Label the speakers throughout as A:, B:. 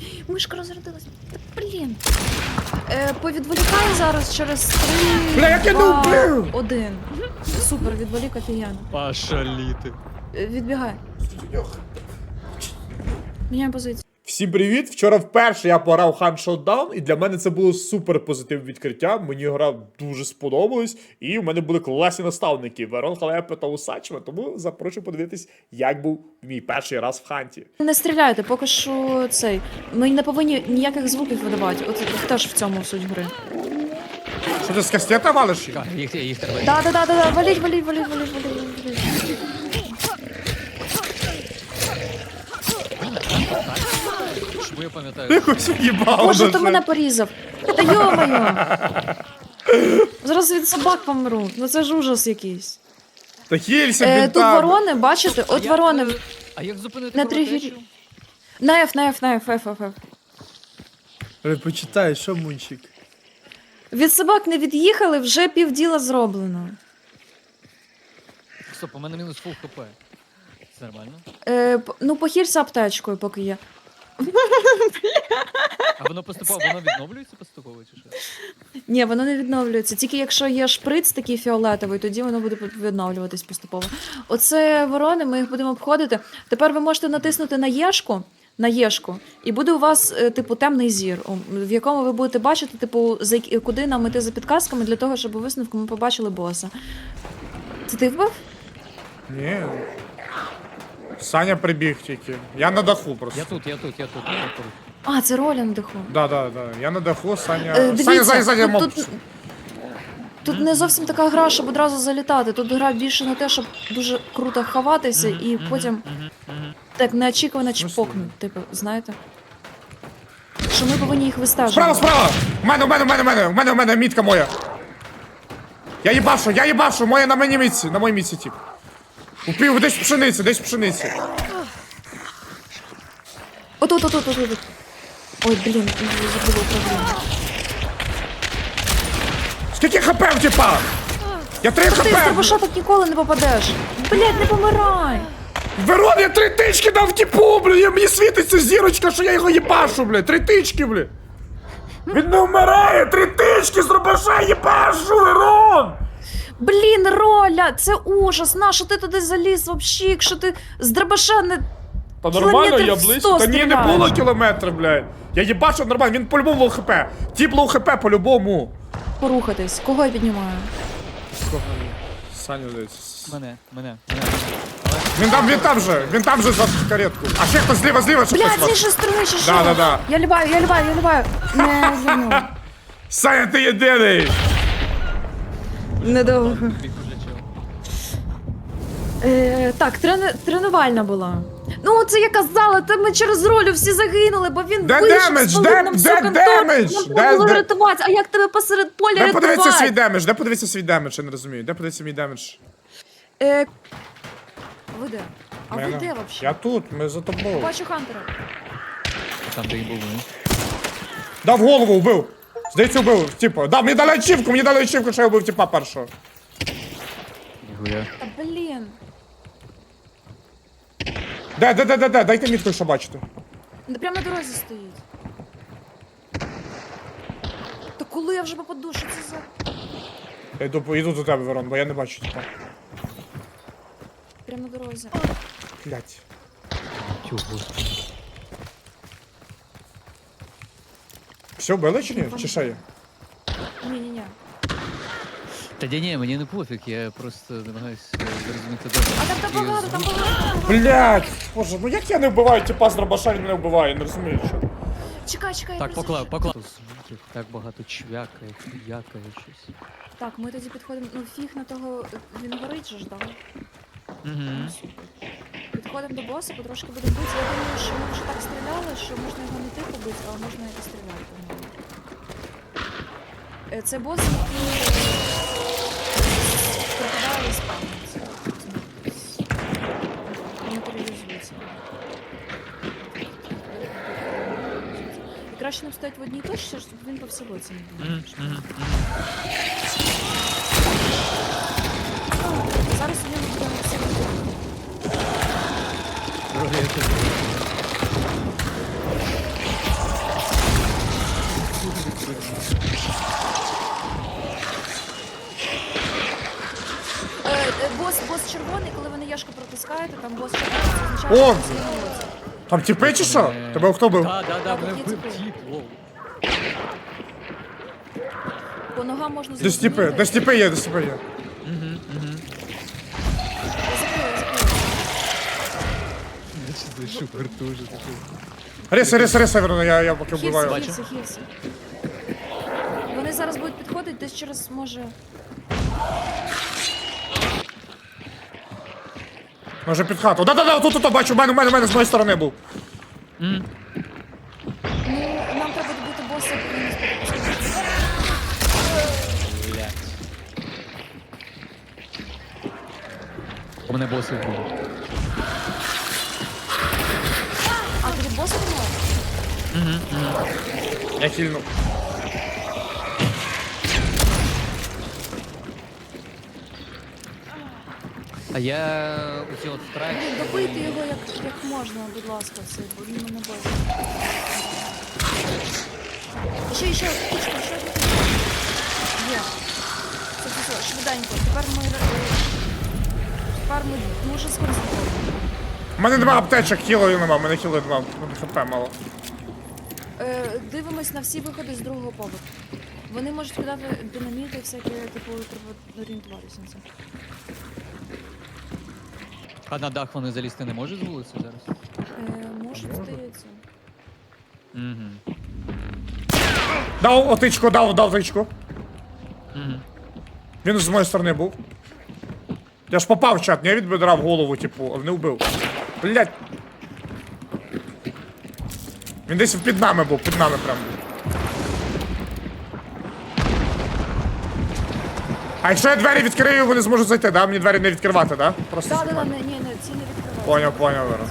A: Мишка розрядилась. Та, блін. Повідволікаю зараз через 3,
B: Бля, як я не
A: 2,
B: вбив!
A: 1. Супер, відволік офігенно.
C: Пошаліти.
A: Відбігай. Міняємо позицію.
B: Всім привіт! Вчора вперше я пограв Hunt Showdown, і для мене це було супер позитивне відкриття. Мені гра дуже сподобалась, і в мене були класні наставники Верон, Халепа та Усачева, тому запрошую подивитись, як був мій перший раз в Ханті.
A: Не стріляйте, поки що цей. Ми не повинні ніяких звуків видавати. От теж в цьому суть гри.
B: Що ти з кастета валиш?
C: Їх треба.
A: Да. Валіть.
C: Чому я пам'ятаю?
B: Якось в'їбало.
A: Боже,
B: даже.
A: ти мене порізав. Та йо-моє. Зараз від собак помру. Ну це ж ужас якийсь.
B: Та хілься,
A: Тут
B: бінта.
A: ворони, бачите? От ворони.
C: А як зупинити
A: На
C: кровотечу?
A: тригері. На F.
B: Почитай, що мунчик?
A: Від собак не від'їхали, вже півділа зроблено.
C: Стоп, у мене мінус фул хп. Це нормально?
A: Ну, похилься аптечкою, поки є.
C: А воно поступово, воно відновлюється поступово чи що?
A: Ні, воно не відновлюється. Тільки якщо є шприц такий фіолетовий, тоді воно буде відновлюватись поступово. Оце ворони, ми їх будемо обходити. Тепер ви можете натиснути на єшку, і буде у вас, типу, темний зір, в якому ви будете бачити, типу, куди нам іти за підказками для того, щоб у висновку ми побачили боса. Це ти вбив?
B: Ні. Саня прибіг тільки. Я на даху просто.
C: Я тут.
A: А, це Роля на даху.
B: Да. Я на даху, Саня.
A: Дивіться,
B: Саня, моб.
A: тут не зовсім така гра, щоб одразу залітати. Тут гра більше на те, щоб дуже круто ховатися і потім так неочікувано чпокнути, типу, знаєте? Що ми повинні їх вистежувати.
B: Справа! У мене мітка моя. Я їбашу, моя на моїй мітці, тип. Упів, десь в пшениці.
A: От. Ой, блін, забула управління.
B: Скільки хп в типа? Я 3
A: Ти з
B: хп!
A: дробаша так ніколи не попадеш. Блядь, не помирай.
B: Верон, я 3 тички дав типу, блядь, мені світиться зірочка, що я його їбашу, блядь, 3 тички, блядь. Він не вмирає, 3 тички з дробаша їбашу, Верон!
A: Блін, Роля, це ужас. Нащо ти туди заліз вообще, якщо ти з дробаша не...
B: Та нормально, я
A: Кілометрів 100
B: близько. Та ні, не
A: стріляєш.
B: було кілометра, блядь. Я їбашу нормально, він по-любому лоу хп. Тіп лоу хп по-любому.
A: Порухатись. Кого я піднімаю?
B: Саня десь.
C: Мене.
B: Він там же за каретку. А ще хтось зліва, ще
A: Блядь, з
B: хтось.
A: іншої сторони ще що?
B: Да.
A: Я ліваю. Не, звернув.
B: Саня, ти єдиний.
A: Недовго.
C: Біг уже чел.
A: Так, тренувальна була. Ну, це я казала, то ми через Ролю всі загинули, бо він
B: Де
A: вийшов,
B: демедж?
A: спалив
B: Де
A: нам всю контору.
B: демедж?
A: Нам треба було рятувати. А як тебе посеред поля
B: Де подивитися свій
A: рятувати?
B: свій демедж, я не розумію. Де подивитися мій демедж?
A: Ви де? А ви
B: Мене.
A: де вообще?
B: Я тут, ми за тобою.
A: Бачу Хантера.
C: Там, де і був, ну.
B: Дав голову, вбив. Здається, вбив, типу. Да, мені дали ачівку, що я вбив типа першого.
C: Ніхуя.
A: Та блін.
B: Де, дайте мітку, що бачите.
A: Прямо на дорозі стоїть. Та коли я вже попаду, що це за...
B: Я йду до тебе, Верон, бо я не бачу типа.
A: Прямо на дорозі.
B: Блять.
C: Тю, господи.
B: Все, вбили чи ні? Чи ще є?
A: Ні.
C: Та ні, мені не пофіг, я просто намагаюсь зрозуміти добре.
A: А там багато, там багато.
B: Блять, боже, ну як я не вбиваю типа з дробаша, він мене вбиває, не розумію, що.
A: Чекай,
C: Так,
A: я
C: поклав.
A: призначу.
C: Звуків, так багато чвякає, хуякає щось.
A: Так, ми тоді підходимо, ну фіг на того, він горить же ж, да?
C: Угу.
A: Підходимо до боса, потрошки будемо бити. Я думаю, що ми вже так стріляли, що можна його не тихо бити, а можна і постріляти в нього. Це бос, який пропадає і спавниться. Матеріалізується. І краще нам стоять в одній точці, щоб він по всій боці не був. Зараз у нього буде сильно. натискаєте, там бос чекає, це означає,
B: О!
A: що бос є на вулиці.
B: Там тіпи чи що? Тебе хто бив?
C: Да, мене
A: Такі
C: вбив
A: типи.
C: тіп, лоу.
A: По ногам можна
B: Десь тіпи, десь тіпи є, десь тіпи є.
A: Я закрила.
C: Зайшов дуже, ти що?
B: Риса, Верно, я поки вбиваю.
A: Хілси. Вони зараз будуть підходити, десь через, може...
B: Може під хату. Да, тут, бачу, в мене з моєї сторони був.
A: Ну, нам треба добити боса, який не сподобається.
C: Блять. У мене боси вбив.
A: А, тобі боса немає?
B: Я хильнув.
C: А я оці от страйк.
A: Блін, добийте його як можна, будь ласка, все, бо він мене боїться. Ще, птичка, ще одна птичка. Є. Все, швиденько. Тепер ми дуже сконцентруємо.
B: У мене нема аптечок, хілою нема, в мене хілою нема, в мене хп мало.
A: Дивимось на всі виходи з другого поверху. Вони можуть кидати динаміти, всякі, типу, треба орієнтуватися на це.
C: А на дах вони залізти не можуть з вулиці зараз?
A: Може, здається.
C: Угу.
B: Дав отичку, дав тичку.
C: Угу.
B: Він з моєї сторони був. Я ж попав в чат, не від бедра в голову, типу, не вбив. Блять. Він десь під нами був, під нами прям. А якщо я двері відкрию, вони зможуть зайти, да? Мені двері не відкривати, да? Просто
A: Да,
B: знімати.
A: ні, ці не відкриваються.
B: Поняв, Вера.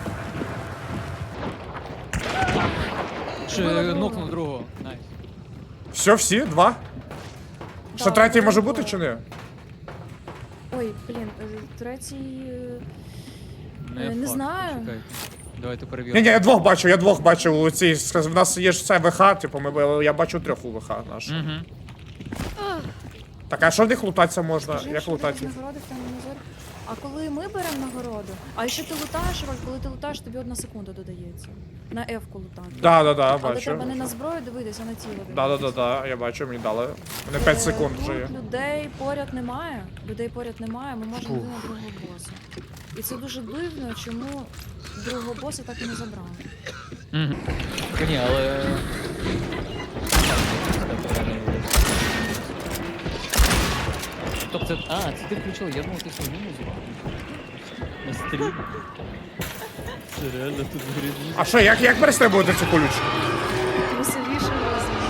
C: Ще
A: Вбила
C: нокнув другого. Найс.
B: Все, всі? Два? Ще
A: Да,
B: третій може
A: двоє.
B: бути чи ні?
A: Ой, блін, третій... Не
C: факт,
A: знаю.
C: почекайте. Давайте перевіримо.
B: Ні, я двох бачив у цій. В нас є ж це ВХ, типу, я бачу трьох у ВХ наш.
C: Угу.
B: Так, а що в них лутатися можна?
A: Скажи,
B: Як
A: що
B: лутатися?
A: дають нагороди в темному зорі. А коли ми беремо нагороду, а якщо ти лутаєш, Роль, коли ти лутаєш, тобі 1 секунда додається. На F-ку лутати.
B: Да,
A: Але
B: бачу.
A: треба не на зброю дивитися, а на тіло дивитися.
B: Да, я бачу, мені дали. Мене 5 секунд вже є.
A: Тут людей поряд немає. Ми можемо йти на другого боса. І це дуже дивно, чому другого боса так і не забрали.
C: Угу. Ні, але... Тобто це... А, це ти включила, я думав, ти свою музику. На стрім. Це реально тут грибні.
B: А що, як перестрибувати цю колючку?
A: Веселіше розумію.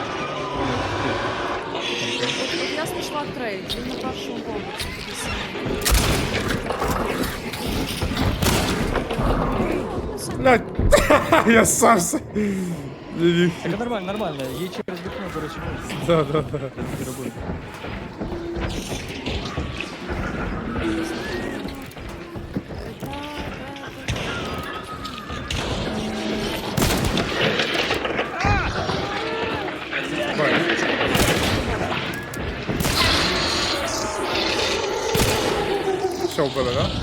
A: От я знайшла трейд, він на першому поверсі. такий самий.
B: Блядь, я сам.
C: Так, нормально. Їй через вікно, до речі, можна
B: Да.
C: робити.
B: Все вбили, да?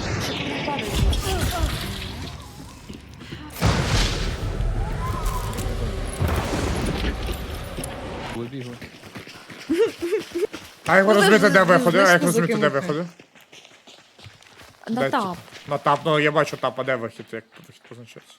C: Вибігли.
B: А як ви
A: Ну,
B: розумієте, де
A: знаєш,
B: виходи? А як
A: знаєш,
B: розумієте, де
A: закинути.
B: виходи?
A: На
B: Де
A: тап.
B: На тап, ну я бачу тап, а де вихід, як вихід позначається?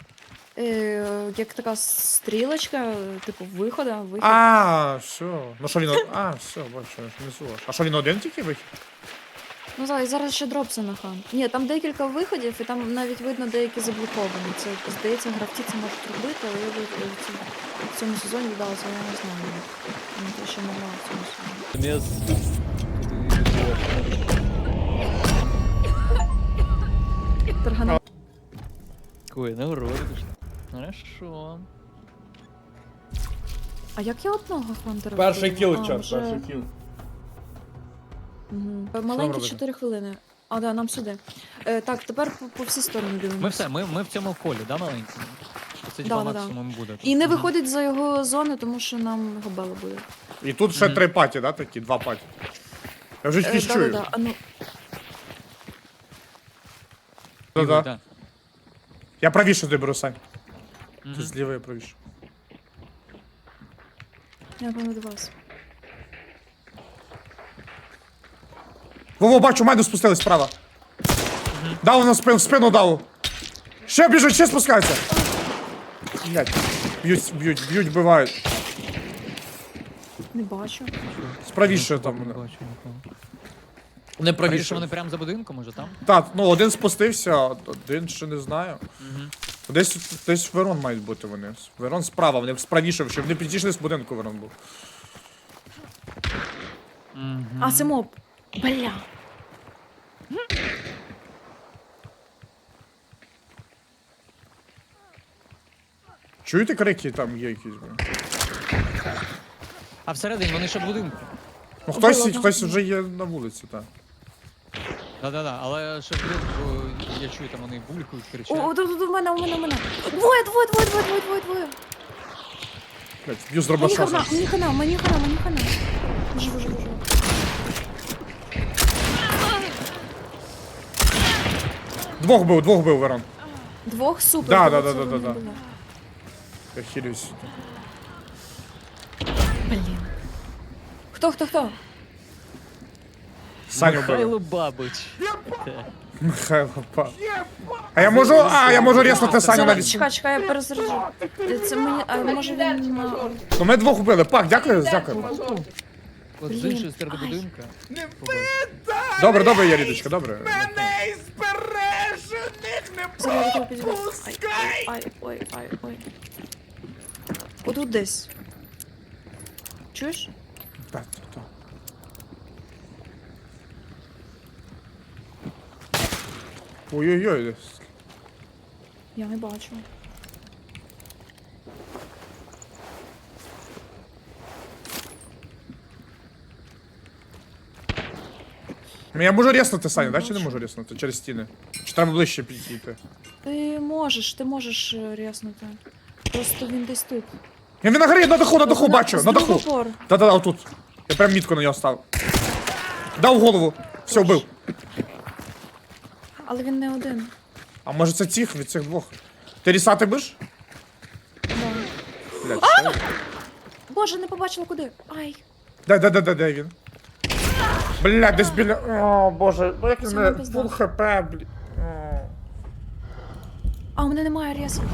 A: Як така стрілочка, типу виходу.
B: А, все. Ну що він, все, бачу, внизу. А що він один тільки вихід?
A: Ну зараз ще дропси на хан. Ні, там декілька виходів, і там навіть видно деякі заблоковані. Це, здається, гравці це можуть робити, але я в цьому сезоні вдалося, я не знаю. Я ще не грала в цьому сезоні. Таргана.
C: Ой, нагороди пішли. Хорошо.
A: А як я одного хантера?
B: Перший
A: вбила?
B: кіл,
A: А,
B: чат,
A: вже-
B: перший кіл.
A: Мгм.
B: нам
A: Маленькі
B: робити?
A: 4 хвилини. А, да, нам сюди. Так, тепер по всі сторони дивимося.
C: Ми все, ми в цьому полі, да, маленькому? Це
A: Да,
C: типа
A: да, да.
C: максимум буде.
A: І не
C: Мгм.
A: виходить за його зони, тому що нам габела буде.
B: І тут ще 3 паті, да, такі, 2 паті. Я вже якісь чую.
A: Да-да-да, а ну.
B: Да-да.
C: Да.
B: Я правіше доберу, Сань. Ти
C: Мгм.
B: зліва, я правіше.
A: Я певно до вас.
B: Во, бачу, мене спустились справа. Дав на спину, в спину дав. Ще біжуть, ще спускаються. Блять. Б'ють, вбивають.
A: Не бачу.
B: Справіше там
C: Не
B: мене.
C: бачу нікого.
B: Не
C: Правіше вони прямо за будинком, може там?
B: Так, ну один спустився, один ще не знаю. Десь Верон мають бути вони. Верон справа, вони справіше, щоб вони підійшли з будинку Верон був.
A: А, це моб. Бля.
B: Чуєте крики, там є якісь, блін?
C: А всередині вони ще в будинку.
B: Ну
A: Було,
B: хтось вже є на вулиці, так.
C: Да-да-да, але ще в будинку я чую, там вони булькають, кричать.
A: О, тут у мене. Двоє.
B: Блять, б'ю з
A: Мені
B: дробаша.
A: хана. Живу.
B: Двох бив Верон.
A: Двох супер.
B: Да.
A: було, це вони
B: Да.
A: були.
B: Я хилюсь.
A: Блін. Хто?
B: Саню бив.
C: Михайло Бабич. Так.
B: Михайло па. А я можу ріснути Саню
A: Зараз,
B: навіть.
A: чекай, я перезаряджу. Це мені, а може він...
B: Ну ми двох вбили. Пак, дякую.
C: От з іншої сторони будинка.
B: Добре, Ярідочка, добре.
A: Зараз я тебе підійду. Ой. Отут десь. Чуєш?
B: Так. Ой-ой-ой.
A: Я не бачу.
B: Ну, я можу ріснути Саню, да? Чи не можу ріснути? Через стіни. Чи треба ближче підійти?
A: Ти можеш ряснути. Просто він десь тут.
B: Він на горі, на даху, бачу, на даху.
A: Опор.
B: Да, отут. Я прям мітку на нього став. Дав в голову. Все, вбив.
A: Але він не один.
B: А може це цих від цих двох? Ти рісати будеш?
A: Да.
B: Блядь, що?
A: Боже, не побачила куди. Ай.
B: Де він? Блядь, десь біля... О, боже, ну як він
A: Це
B: мене...
A: не пизда.
B: Фул хп, блядь. О.
A: А у мене немає рясу.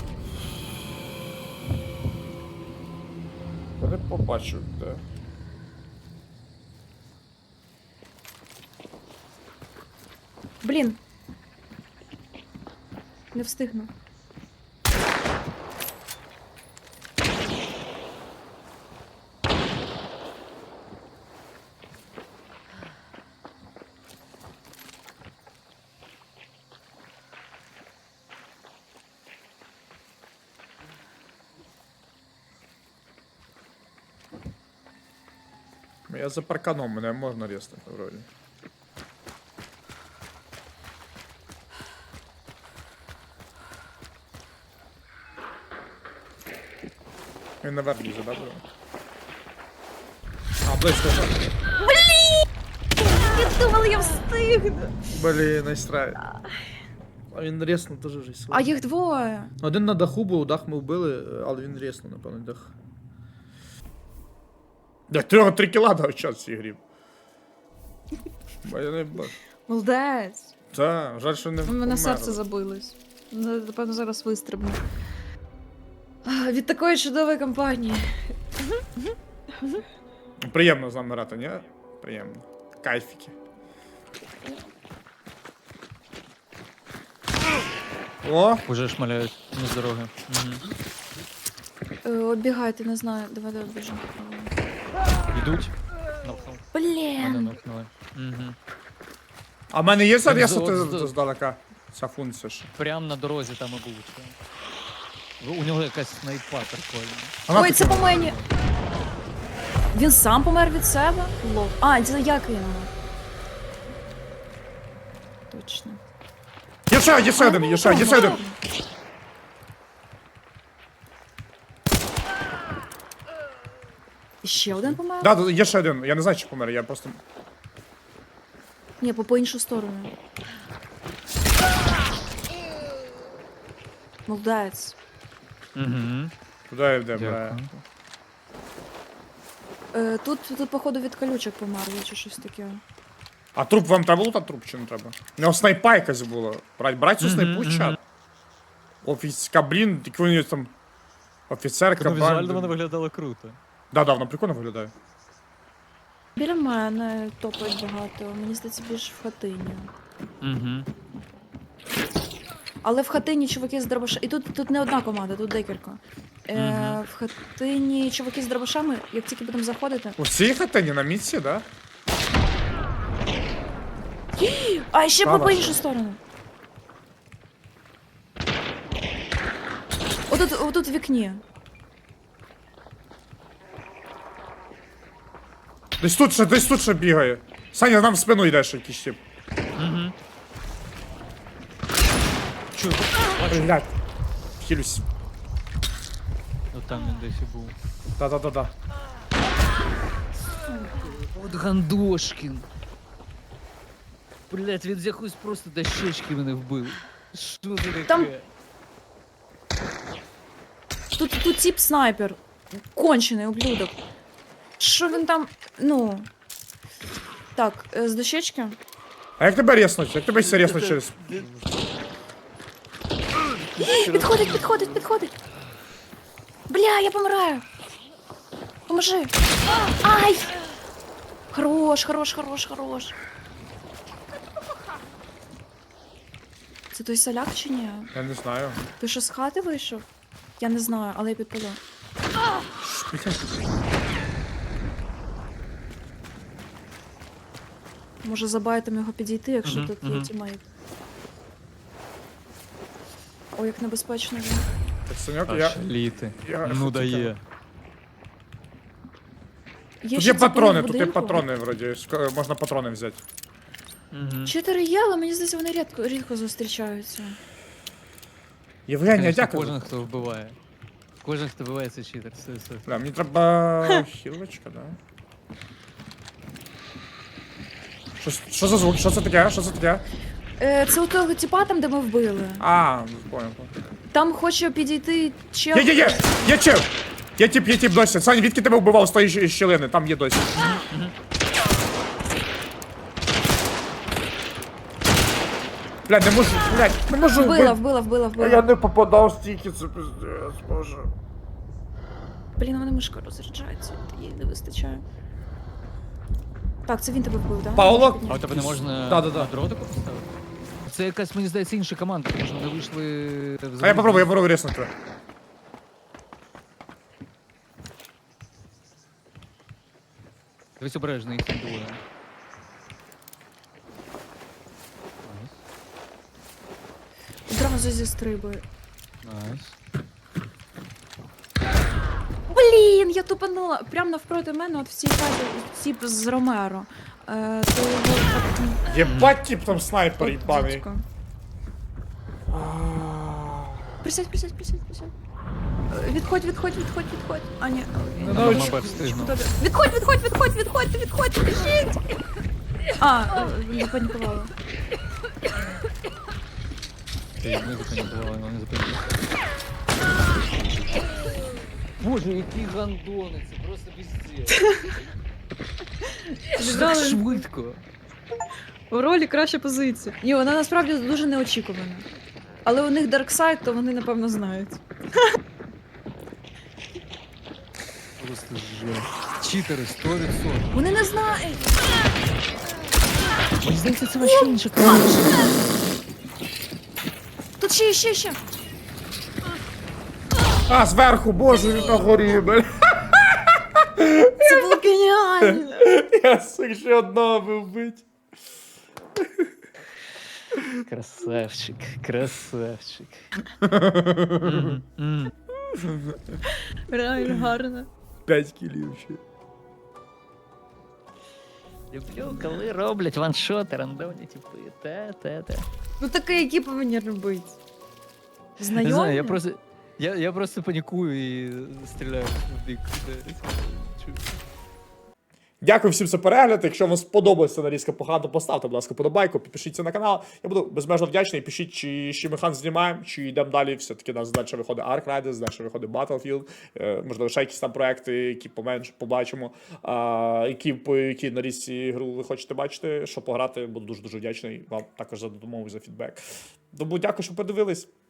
B: Я не побачив, де.
A: Блін. Не встигну.
B: Я за парканом, мене можна ріснути, вроді. Він наверх лізе, да, буде? А, близько.
A: Я думала, я встигну.
B: Блін, найстрай. А він ріснув дуже вже сильно.
A: А їх двоє.
B: Один на даху був, дах ми вбили, але він ріснув, напевно, дах. Да, 3 кіла дав час в цій грі. Бо я не бачу.
A: Молодець.
B: Так, жаль, що не
A: У мене
B: помер.
A: серце забилось. Напевно, зараз вистрибну. Від такої чудової компанії.
B: Приємно з нами грати, ні? Приємно. Кайфіки. О!
C: Уже шмаляють з дороги.
A: Оббігайте, не знаю. Давай біжимо.
C: Йдуть. Нокнув. Мене
A: Блін.
C: нокнули. Угу.
B: А в мене є
C: Так,
B: зарісати
C: з-
B: здалека? Ця функція ж.
C: Прям на дорозі там і будуть. У нього якась снайпа прикольна.
B: Вона
A: Ой, це
B: таки-
A: по мені. Він сам помер від себе? Лол. А, це я кинула. Точно.
B: Є ще один, є ще один.
A: Ще один помер?
B: Да, є ще один. Я не знаю, чи помер, я просто...
A: Ні, по іншу сторону. Молодець.
C: Угу.
B: Куди йде, бля?
C: Дякую.
A: Тут, походу, від колючок померли чи щось таке.
B: А труп вам треба лутати труп чи не треба? У нього снайпа якась була. Брать цю снайпу чат. Офіцька, блін, які вони там. Офіцерка,
C: Ну, візуально
B: банда.
C: вона виглядала круто.
B: Да, вона прикольно виглядає.
A: Біля мене топають багато. Мені здається, більше в хатині.
C: Угу.
A: Але в хатині чуваки з дробашами. І тут не одна команда, тут декілька. В хатині чуваки з дробашами, як тільки будемо заходити.
B: У цій хатині на місці, да?
A: А ще
B: Справа.
A: по іншу сторону. Отут в вікні.
B: Десь тут ще бігає. Саня, нам в спину йдеш якийсь тип.
C: Угу. Чую,
B: Блядь. Хилюсь.
C: от там він десь і був.
B: Да.
C: От Гандошкін. Блять, він з якоїсь просто дощечки мене вбив. Що це таке?
A: Там- Тут тип снайпер. Кончений ублюдок. Що він там. Ну. Так, з дощечки.
B: А як тебе рєснуть? Як тебе ще рєснуть через...
A: Підходить. Бля, я помираю. Поможи. Ай! Хорош. Це той соляк чи ні?
B: Я не знаю.
A: Ти що з хати вийшов? Я не знаю, але я підпалю. Може за байтом його підійти, якщо тут є тімейт. Ой, як небезпечно він.
B: Так, Саньок,
C: Аж літи.
B: я
C: Ну
B: хотів
C: дає.
B: Тут
A: ще
B: є
A: ці
B: патрони,
A: в
B: тут є
A: будинку.
B: патрони, вроді. Можна патрони взяти.
C: Угу.
A: 4 є, але мені здається, вони рідко зустрічаються.
B: Євгенія, дякую.
C: Кожен, хто вбиває. Кожен, хто вбиває, це читер. Все.
B: Бля, мені треба хілочка, да? Що за звук? Що це таке? Що це таке?
A: Це у того тіпа там, де ми вбили.
B: А, понял.
A: Там хоче підійти чел.
B: Є чел! Є тип досі. Саня, відки тебе вбивав з тої щілини? Там є досі. Бля, не можу
A: Вбила.
B: Я не попадав стільки, це пиздец, боже.
A: Блін, у мене мишка розряджається, їй не вистачає. Так, це він тебе вбив, так?
B: Пауло?
C: А у тебе не можна
B: Да.
C: на дротику поставити? Це якась, мені здається, інша команда, тому що вони вийшли в
B: А я попробую ріснути.
C: Дивись обережно, їх там двоє.
A: Одразу зі стрибою.
C: Найс.
A: Блін, я тупанула. Прямо навпроти мене, от в цій хаті, тип з Ромеро. То його так,
B: Єбать тип там снайпер
A: от
B: їбаний.
A: дідько. Присядь. Відходь. А, ні.
C: Мабуть, встигну.
A: Відходь, біжіть! А, запанікувала.
C: Ти не запам'ятала, не запам'ятала. Боже, які гандони, це просто піздець. Так швидко.
A: У ролі краща позиція. Ні, вона насправді дуже неочікувана. Але у них дарксайд, то вони напевно знають.
C: Просто жесть. Читери 100%.
A: Вони не знають!
C: Мені здається, це вообще інша команда.
A: Тут ще.
B: А, зверху, боже, він на горі, бля.
A: Це було геніально!
B: Я встиг ще одного би вбити.
C: Красавчик.
A: Реально гарно.
B: 5 кілів ще.
C: Люблю, коли роблять ваншоти, рандомні типи. Те.
A: Ну таке, які повинні робити. Знайомі?
C: Не знаю, я просто панікую і стріляю в бік.
B: Дякую всім за перегляд. Якщо вам сподобалася нарізка погано, поставте, будь ласка, подобайку, підпишіться на канал. Я буду безмежно вдячний. Пишіть, чи ще Механ знімаємо, чи йдемо далі. Все-таки у нас далі виходить Ark Riders, далі виходить Battlefield. Можливо, ще якісь там проекти, які поменше побачимо. По якій нарізці гру ви хочете бачити, що пограти. Буду дуже-дуже вдячний вам також за допомогу, за фідбек. Тому дякую, що подивились.